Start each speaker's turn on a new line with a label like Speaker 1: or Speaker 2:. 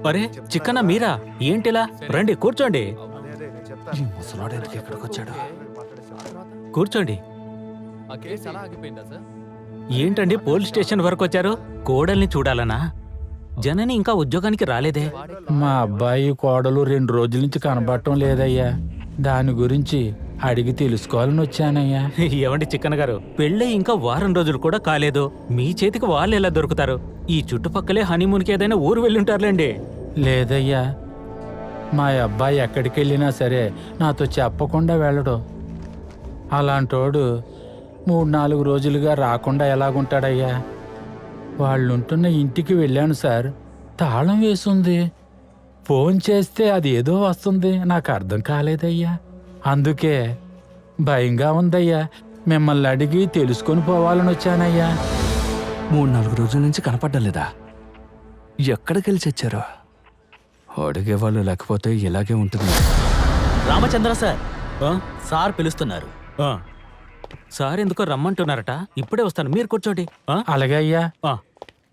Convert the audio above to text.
Speaker 1: అరే చిక్కన్న మీరా ఏంటిలా రండి కూర్చోండి. ఈ ముసలాడు ఎందుకు ఎక్కడికి వచ్చాడు? కూర్చోండి. ఏంటండి పోలీస్ స్టేషన్ వరకు వచ్చారు? కోడల్ని చూడాలనా? జనని ఇంకా ఉద్యోగానికి రాలేదే?
Speaker 2: మా అబ్బాయి కోడలు 2 రోజుల నుంచి కనబడటం లేదయ్యా. దాని గురించి అడిగి తెలుసుకోవాలని వచ్చానయ్యా.
Speaker 1: ఏమండి చిక్కన్న గారు, పెళ్ళై ఇంకా వారం రోజులు కూడా కాలేదు, మీ చేతికి వాళ్ళు ఎలా దొరుకుతారు? ఈ చుట్టుపక్కలే హనీమూన్కి ఏదైనా ఊరు వెళ్ళుంటారులేండి.
Speaker 2: లేదయ్యా, మా అబ్బాయి ఎక్కడికి వెళ్ళినా సరే నాతో చెప్పకుండా వెళ్ళడు. అలాంటోడు 3-4 రోజులుగా రాకుండా ఎలాగుంటాడయ్యా? వాళ్ళుంటున్న ఇంటికి వెళ్ళాను సార్, తాళం వేసుంది. ఫోన్ చేస్తే అది ఏదో వస్తుంది, నాకు అర్థం కాలేదయ్యా. అందుకే భయంగా ఉందయ్యా. మిమ్మల్ని అడిగి తెలుసుకొని పోవాలని వచ్చానయ్యా.
Speaker 3: 3-4 రోజుల నుంచి కనపడ్డం లేదా? ఎక్కడికెళ్ళి చచ్చారో? అడిగేవాళ్ళు లేకపోతే ఇలాగే ఉంటుంది.
Speaker 4: రామచంద్ర సార్,
Speaker 1: ఆ?
Speaker 4: సార్ పిలుస్తున్నారు.
Speaker 1: ఆ. సార్ ఎందుకో రమ్మంటున్నారట. ఇప్పుడే వస్తాను, మీరు కూర్చోండి. ఆ?
Speaker 2: అలాగే అయ్యా.
Speaker 1: ఆ.